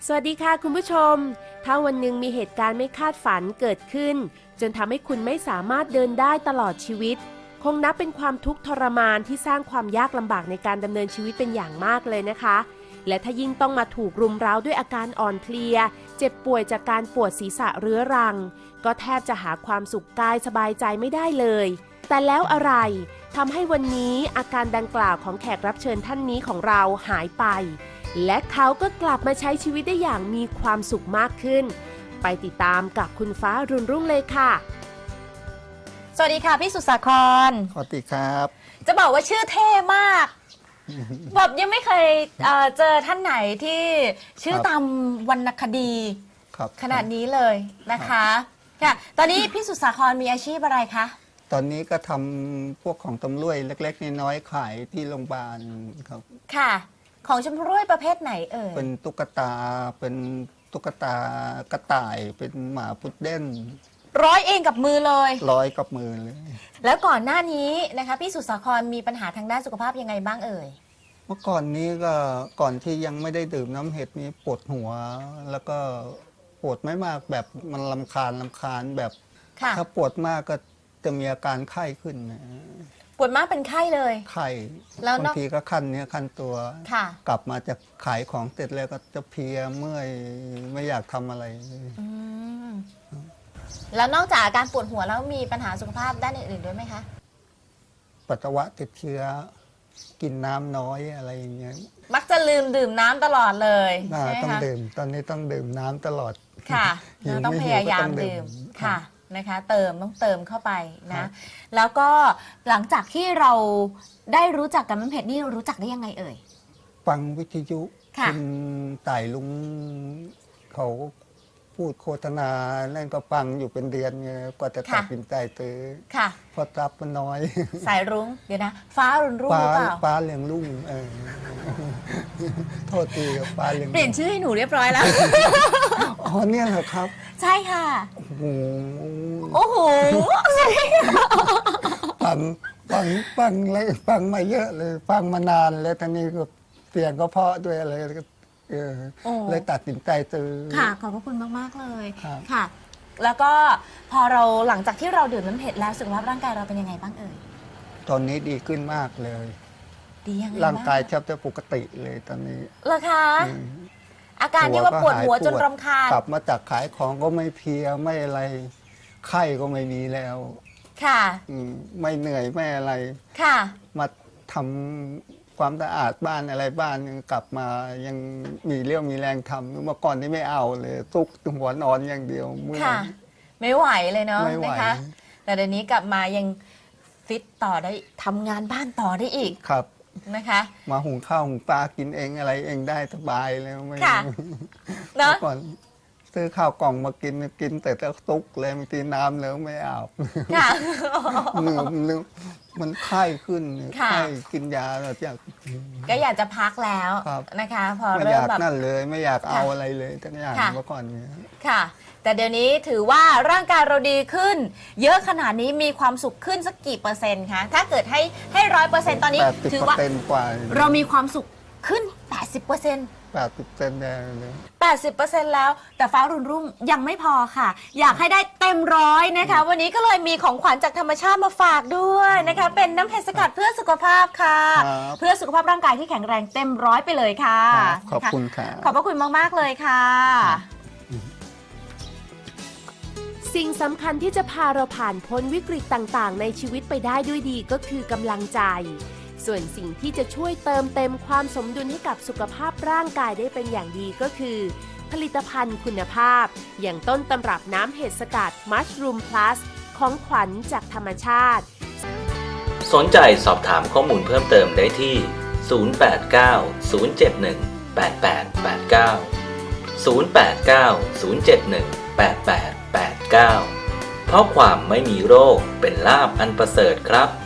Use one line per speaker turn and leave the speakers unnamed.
สวัสดีค่ะคุณผู้ชมถ้าวันหนึ่งมีเหตุการณ์ไม่คาดฝันเกิดขึ้นจนทำให้คุณไม่สามารถเดินได้ตลอดชีวิตคงนับเป็นความทุกข์ทรมานที่สร้างความยากลำบากในการดำเนินชีวิตเป็นอย่างมากเลยนะคะและถ้ายิ่งต้องมาถูกรุมเร้าด้วยอาการอ่อนเพลียเจ็บป่วยจากการปวดศีรษะเรื้อรังก็แทบจะหาความสุขกายสบายใจไม่ได้เลยแต่แล้วอะไรทำให้วันนี้อาการดังกล่าวของแขกรับเชิญท่านนี้ของเราหายไปและเขาก็กลับมาใช้ชีวิตได้อย่างมีความสุขมากขึ้นไปติดตามกับคุณฟ้ารุ่นรุ่งเลยค่ะ
สวัสดีค่ะพี่สุสาคร
สวัสดีครับ
จะบอกว่าชื่อเท่มากแบบยังไม่เคยเจอท่านไหนที่ชื่อตามวรรณคดีขนาดนี้เลยนะคะค่ะตอนนี้พี่สุสาครมีอาชีพอะไรคะ
ตอนนี้ก็ทำพวกของตำรวจเล็กๆน้อยๆขายที่โรงพยาบาลครับ
ค่ะของชำร่วยประเภทไหนเอ่ย
เป็นตุ๊กตากระต่ายเป็นหมาพุดเดิ้ล
ร้อยเองกับมือเลย
ร้อยกับมือเลย
แล้วก่อนหน้านี้นะคะพี่สุสาครมีปัญหาทางด้านสุขภาพยังไงบ้างเอ่ย
เมื่อก่อนนี้ก็ก่อนที่ยังไม่ได้ดื่มน้ำเห็ดนี้ปวดหัวแล้วก็ปวดไม่มากแบบมันรำคาญแบบถ้าปวดมากก็จะมีอาการไข้ขึ้น
ปวดมากเป็นไข้เลย
ไข้บางทีก็คันตัวกลับมาจะขายของเสร็จแล้วก็จะเพลียเมื่อยไม่อยากทำอะไร
แล้วนอกจากอาการปวดหัวแล้วมีปัญหาสุขภาพด้านอื่นๆด้วยไหมคะ
ปัสสาวะติดเชื้อกินน้ำน้อยอะไรอย่างเงี้ย
มักจะลืมดื่มน้ำตลอดเลยใช่ไหมคะ
ต้องดื่มตอนนี้ต้องดื่มน้ำตลอด
ค่ะต้องพยายามดื่มค่ะนะคะต้องเติมเข้าไปนะแล้วก็หลังจากที่เราได้รู้จักกับน้ำเพชรนี่รู้จักได้ยังไงเอ่ย
ฟังวิทยุคุณต่ายลุงเขาพูดโฆษณานั่นก็ฟังอยู่เป็นเดือนไงกว่าจะตัดสินใจซื้อพอรับมันน้อย
สายรุ้งเดี๋ยวนะฟ้ารุ่งหรือเปล่า
ฟ้าเรืองรุ่งโทษทีครับฟ้าเรือง
เปลี่ยนชื่อให้หนูเรียบร้อยแล้ว
อ๋อเนี่ยเหรอครับ
ใช่ค่ะโอ้โห
ฟังมาเยอะเลยฟังมานานแล้วตอนนี้ก็เสียงก็เพราะด้วยอะไรเลยตัดสินใจซื้อ
ค่ะขอบพระคุณมากๆเลยค่ะแล้วก็พอเราหลังจากที่เราดื่มน้ำเห็ดแล้วสุขภาพร่างกายเราเป็นยังไงบ้างเอ่ย
ตอนนี้ดีขึ้นมากเลย
ดียังไง
ร่างกายแทบจะปกติเลยตอนนี้
เหรอคะอาการที่ว่าปวดหัวจนรำคาญ
กลับมาจากขายของก็ไม่เพลียไม่อะไรไข้ก็ไม่มีแล้ว
ค่ะ
ไม่เหนื่อยไม่อะไร
ค่ะ
มาทำความสะอาดบ้านอะไรบ้านยังกลับมายังมีเรี่ยวมีแรงทำเมื่อก่อนนี่ไม่เอาเลยทุกหัวนอนอย่างเดียวเมื่อ
ไม่ไหวเลยเนาะนะคะแต่เดี๋ยวนี้กลับมายังฟิตต่อได้ทำงานบ้านต่อได้อีก
ครับ
นะคะ
มาหุงข้าวหุงปลากินเองอะไรเองได้สบายแล้วไม่
เนาะ
ก่อนซื้อข้าวกล่องมากินแต่แล้วตุกเลยบางทีน้ำแล้วไม่อาบนึกมันไข้ขึ้นไข้กินยาแล้ว
ก็อยากจะพักแล้วนะคะพอ
เริ่มแบบนั่นเลยไม่อยากเอาอะไรเลยทั้งอย่างเมื่อก่อนนี้
ค่ะแต่เดี๋ยวนี้ถือว่าร่างกายเราดีขึ้นเยอะขนาดนี้มีความสุขขึ้นสักกี่เปอร์เซ็นต์คะถ้าเกิดให้100%ตอนนี้ถือว่าเรามีความสุขขึ้น 80%
80%เลย
80%แล้วแต่ฟ้ารุ่งรุ่งยังไม่พอค่ะอยากให้ได้เต็ม100นะคะวันนี้ก็เลยมีของขวัญจากธรรมชาติมาฝากด้วยนะคะเป็นน้ำเห็ดสกัดเพื่อสุขภาพค่ะเพื่อสุขภาพร่างกายที่แข็งแรงเต็ม100ไปเลยค่ะ
ขอบคุณค่ะ
ขอบพระคุณมากๆเลยค่ะ
สิ่งสำคัญที่จะพาเราผ่านพ้นวิกฤตต่างๆในชีวิตไปได้ด้วยดีก็คือกำลังใจส่วนสิ่งที่จะช่วยเติมเต็มความสมดุลให้กับสุขภาพร่างกายได้เป็นอย่างดีก็คือผลิตภัณฑ์คุณภาพอย่างต้นตำรับน้ำเห็ดสกัด Mushroom Plus ของขวัญจากธรรมชาติ
สนใจสอบถามข้อมูลเพิ่มเติมได้ที่ 089 071 8889 089 071 8889 เพราะความไม่มีโรคเป็นลาภอันประเสริฐครับ